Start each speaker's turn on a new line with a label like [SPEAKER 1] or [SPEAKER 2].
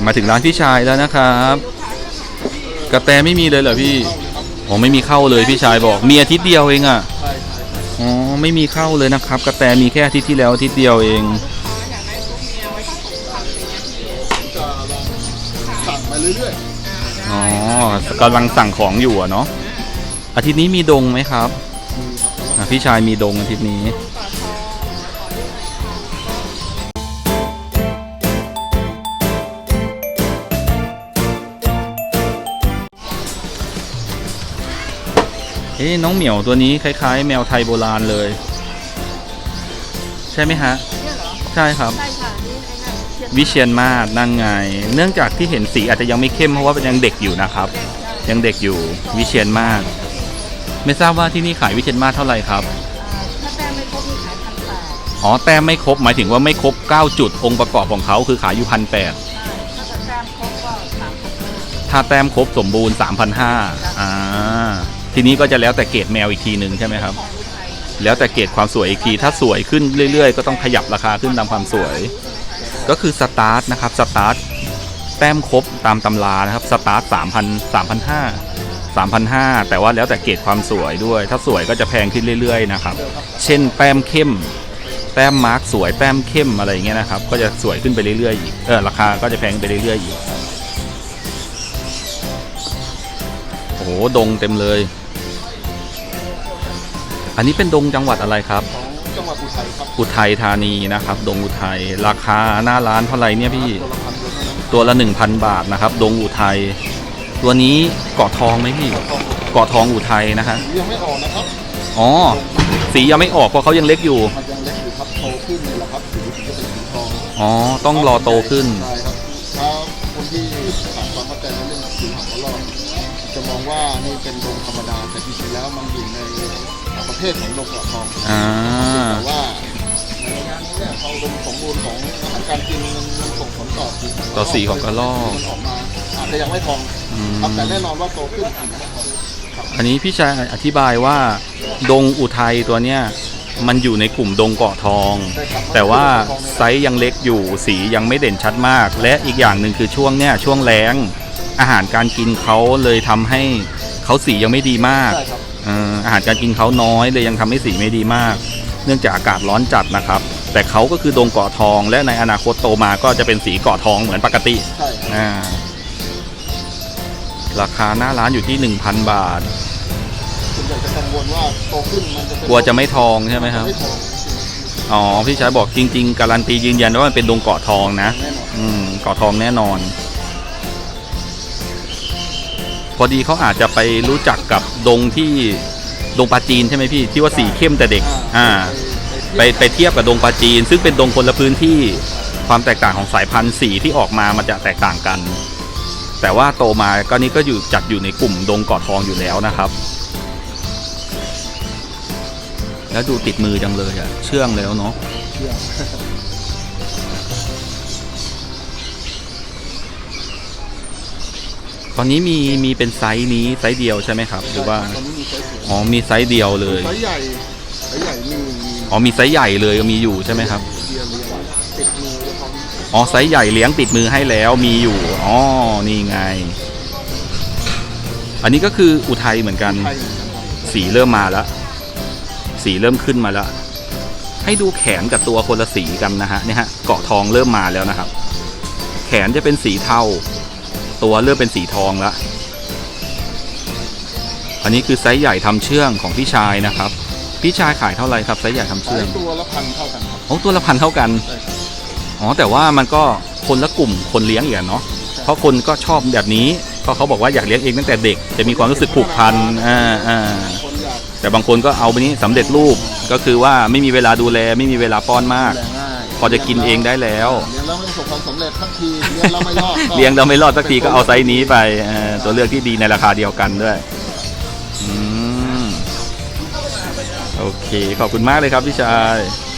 [SPEAKER 1] มาถึงร้านพี่ชายแล้วนะครับกระแตไม่มีเลยเหรอพี่อ๋อไม่มีเข้าเลยพี่ชายบอกมีอาทิตย์เดียวเองอ่ะอ๋อไม่มีเข้าเลยนะครับกระแตมีแค่อาทิตย์ที่แล้วอาทิตย์เดียวเอง
[SPEAKER 2] สั่งมาเรื่อย
[SPEAKER 1] ๆอ๋อกำลังสั่งของอยู่เนาะอาทิตย์นี้มีดงไหมครับพี่ชายมีดงอาทิตย์นี้น้องเหมียวตัวนี้คล้ายๆแมวไทยโบราณเลยใช่ไหมฮะใช่ครับวิเชียรมาศนั่งไงเนื่องจากที่เห็นสีอาจจะยังไม่เข้มเพราะว่ายังเด็กอยู่นะครับยังเด็กอยู่วิเชียรมาศไม่ทราบว่าที่นี่ขายวิเชียรมาศเท่าไหร่ครับ
[SPEAKER 3] ถ้าแต้มไม่ครบมีขาย1,800
[SPEAKER 1] อ๋อแต้มไม่ครบหมายถึงว่าไม่ครบ9จุดองค์ประกอบของเขาคือขายอยู่1,800ถ้าแต้มครบสมบูรณ์ 3,500ทีนี้ก็จะแล้วแต่เกรดแมวอีกทีหนึ่งใช่ไหมครับแล้วแต่เกรดความสวยอีกทีถ้าสวยขึ้นเรื่อยๆก็ต้องขยับราคาขึ้นตามความสวยก็คือสตาร์ทนะครับสตาร์ทแต้มครบตามตำรานะครับสตาร์ท3,500 แต่ว่าแล้วแต่เกรดความสวยด้วยถ้าสวยก็จะแพงขึ้นเรื่อยๆนะครับเช่นแต้มเข้มแต้มมาร์กสวยแต้มเข้มอะไรอย่างเงี้ยนะครับก็จะสวยขึ้นไปเรื่อยๆอีกราคาก็จะแพงไปเรื่อยๆอีกโอ้โหดงเต็มเลยอันนี้เป็นดงจังหวัดอะไรครับ
[SPEAKER 2] ของจังหวัดอุทัยครับ
[SPEAKER 1] อุทัยธานีนะครับดงอุทัยราคาหน้าร้านเท่าไหร่เนี่ยพี่ตัวละ 1,000 บาทนะครับดงอุทัยตัวนี้เกาะทองไหมพี่เกาะทองอุทัยนะฮะ
[SPEAKER 2] ยังไม่ออกนะครับ
[SPEAKER 1] อ๋อสียังไม่ออกเพราะเขายังเล็กอยู่
[SPEAKER 2] มันยังเล็กอยู่ครับโตขึ้นนี่แหละครับสีจะเป็นสีทอง
[SPEAKER 1] อ๋อต้องรอโตขึ้น
[SPEAKER 2] ใช่ครับถ้าคนที่ขาดความเข้าใจในเรื่องสีหางกระรอกจะมองว่านี่เป็นดงธรรมดาแต่จริงๆแล้วมันอยู่ในประเภทของดงกระทองแต่ว่าในงานนี้เนี่ยเขาดงสมบูรณ์ของอาหารการกินมันส่งผลต่อ
[SPEAKER 1] สีของกระรอก
[SPEAKER 2] มันออกมาอาจจะยังไม่ทองแต่แน่นอนว่าโตขึ้น
[SPEAKER 1] อันนี้พี่ชายอธิบายว่าดงอุทัยตัวเนี้ยมันอยู่ในกลุ่มดงเกาะทองแต่ว่าไซส์ยังเล็กอยู่สียังไม่เด่นชัดมากและอีกอย่างหนึ่งคือช่วงเนี้ยช่วงแล้งอาหารการกินเขาเลยทำให้เขาสียังไม่ดีมากอาหารการกินเขาน้อยเลยยังทำให้สีไม่ดีมากเนื่องจากอากาศร้อนจัดนะครับแต่เขาก็คือดงเกาะทองและในอนาคตโตมาก็จะเป็นสีเกาะทองเหมือนปกติราคาหน้าร้านอยู่ที่ 1,000 บาท
[SPEAKER 2] คุณอยากจะกังวลว่าโตขึ้นมันจะ
[SPEAKER 1] กลัวจะไม่ทองใช่ไหมครับอ๋อพี่ชายบอกจริงๆการันตียืนยันว่ามันเป็นดงเกาะทองนะเกาะทองแน่นอนพอดีเขาอาจจะไปรู้จักกับดงที่ดงปลาจีนใช่ไหมพี่ที่ว่าสีเข้มแต่เด็กไปเทียบกับดงปลาจีนซึ่งเป็นดงคนละพื้นที่ความแตกต่างของสายพันธุ์สีที่ออกมามันจะแตกต่างกันแต่ว่าโตมาก็นี้ก็อยู่จัดอยู่ในกลุ่มดงเกาะทองอยู่แล้วนะครับแล้วดูติดมือจังเลยเชื่องแล้วเนาะตอนนี้มีเป็นไซส์นี้ไซส์เดียวใช่ไหมครับหรือว่าอ๋อมีไซส์เดียวเลย
[SPEAKER 2] ไซส์ใหญ่มี
[SPEAKER 1] อ๋อมีไซส์ใหญ่เลยมีอยู่ใช่ไหมครับ
[SPEAKER 2] ติดมือ
[SPEAKER 1] อ๋อไซส์ใหญ่เลี้ยงติดมือให้แล้วมีอยู่อ๋อนี่ไงอันนี้ก็คืออุทัยเหมือนกันสีเริ่มมาแล้วสีเริ่มขึ้นมาแล้วให้ดูแขนกับตัวคนละสีกันนะฮะเนี่ยฮะเกาะทองเริ่มมาแล้วนะครับแขนจะเป็นสีเทาตัวเริ่มเป็นสีทองแล้วอันนี้คือไซส์ใหญ่ทำเชื่องของพี่ชายนะครับพี่ชายขายเท่าไหร่ครับไซส์ใหญ่ทำเชื่อง
[SPEAKER 2] ตัวละ1,000เท่ากันครับ
[SPEAKER 1] ตัวละ1,000เท่ากันอ๋อแต่ว่ามันก็คนละกลุ่มคนเลี้ยงอย่างเนาะเพราะคนก็ชอบแบบนี้เพราะเขาบอกว่าอยากเลี้ยงเองตั้งแต่เด็กจะมีความรู้สึกผูกพันแต่บางคนก็เอาไปนี้สำเร็จรูปก็คือว่าไม่มีเวลาดูแลไม่มีเวลาป้อนมากพอจะกินเองได้แล้ว
[SPEAKER 2] เลี้ยงแล้วไม่ประสบความสำเร็จสักทีเลี้ยงแล้วไม่รอด
[SPEAKER 1] สักทีก็เอาไซส์นี้ไปตัวเลือกที่ดีในราคาเดียวกันด้วยโอเคขอบคุณมากเลยครับพี่ชาย